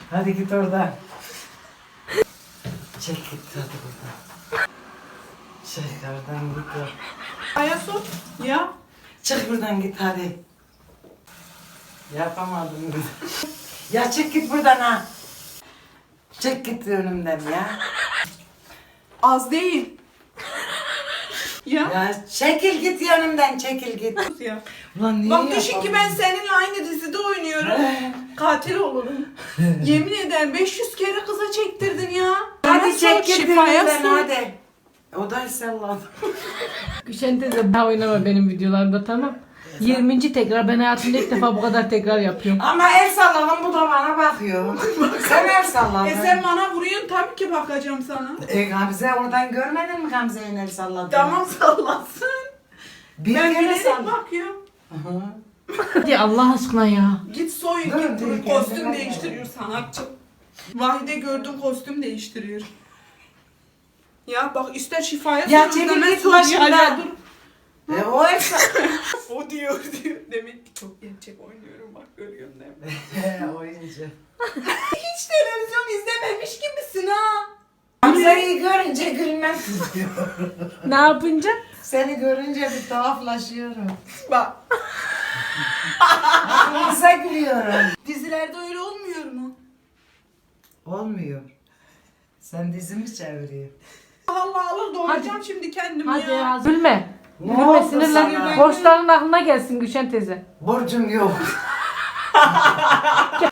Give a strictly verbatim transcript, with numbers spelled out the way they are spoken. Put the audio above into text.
Hadi git oradan. Çek git hadi buradan. Çek oradan git. Ayasun ya. Çık buradan git hadi. Yapamadım. Ya çık git buradan ha. Çık git önümden ya. Az değil. Ya. Ya çekil git yanımdan çekil git. Ya. Ulan niye Bak düşün ki yapamıyorum? ben seninle aynı dizide oynuyorum. Katil olurum. Yemin ederim beş yüz kere kıza çektirdin ya. Hadi Bana çek sor, git şifaya önümden sor. hadi. O da salladı. Gülşen teyze daha oynama benim videolarımda, tamam. yirminci tekrar, ben hayatımda ilk defa bu kadar tekrar yapıyorum. Ama el salladım bu da bana bakıyor. Sen el salladın. E sen bana vuruyorsun, tabii ki bakacağım sana. E, Gamze oradan görmedin mi Gamze'nin el salladığını? Tamam sallasın. Bir Ben kere bilerek salladım. bakıyorum. Hadi Allah aşkına ya. Git soyun, Dur, git dur, dur, kendine kostüm gel. değiştiriyor sanatçı. Vahide gördüm kostüm değiştiriyor. Ya bak ister şifaya Ya sor, çekil istemez git sor, başımdan. ya dur. E, o el salladı. O diyor diyor. Demek ki çok gerçek oynuyorum, bak görüyorsun değil mi? Oyuncu. Hiç televizyon izlememiş gibisin ha. Gamze'yi görünce gülmem tutuyor. Ne yapınca? Seni görünce bir tuhaflaşıyorum. Bak Kısa gülüyorum. dizilerde öyle olmuyor mu? Olmuyor. Sen dizimi çeviriyorsun. Allah alır doğrayacağım şimdi kendimi Hadi ya. ya. Gülme. Ne Gülme, oldu sinirlen. sana? Borçların aklına gelsin Gülşen teyze. Borcum yok.